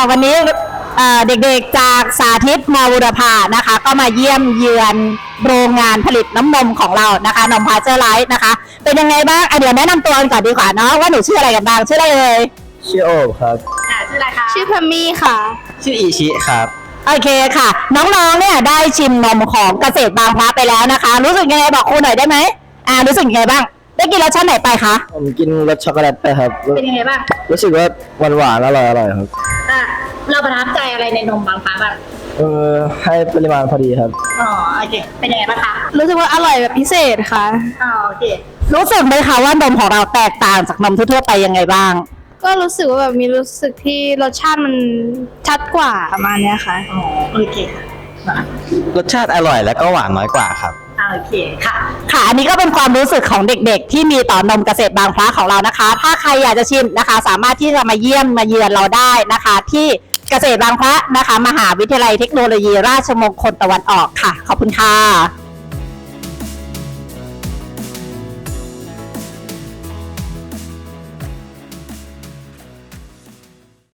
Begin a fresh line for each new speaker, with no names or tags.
วันนี้เด็กๆจากสาธิตมบุรพานะคะก็มาเยี่ยมเยือนโรงงานผลิตน้ำนมของเรานะคะนมพาเจอร์ไลท์นะคะเป็นยังไงบ้างเดี๋ยวแนะนำตัวกันก่อนดีกว่าเนาะว่าหนูชื่ออะไรกันบ้างชื่ออะไรเลย
ชื่อโอบครับ
ชื่ออะไรคะ
ชื่อพมี่ค่ะ
ชื่ออิชิครับ
โอเคค่ะน้องๆเนี่ยได้ชิมนมของเกษตรบางพระไปแล้วนะคะรู้สึกยังไงบอกครูหน่อยได้ไหมรู้สึกยังไงบ้างได้กินรสชาติไหนไปคะ
ผมกินรสช็อกโกแลตไปครับ
เป็นยังไงบ้าง
รู้สึกว่าหวานอร่อยครับ
เราประทับใจอะไรในนมบางพระบ้าง
ให้ปริมาณพอดีครับ
โอเคเป็นยังไงบ้างคะ
รู้สึกว่าอร่อยแบบพิเศษค่ะ
โอเครู้สึกไหมคะว่านมของเราแตกต่างจากนมทั่วๆไปยังไงบ้าง
ก็รู้สึกว่าแบบมีรู้สึกที่รสชาติมันชัดกว่าประมาณนี้ค่ะ
โอเคค่ะ
รสชาติอร่อยแล้วก็หวานน้อยกว่าครับ
โอเคค่ะอันนี้ก็เป็นความรู้สึกของเด็กๆที่มีต่อนมเกษตรบางพระของเรานะคะถ้าใครอยากจะชิมนะคะสามารถที่จะมาเยี่ยมมาเยือนเราได้นะคะที่เกษตรบางพระนะคะมหาวิทยาลัยเทคโนโลยีราชมงคลตะวันออกค่ะขอบคุณค่ะ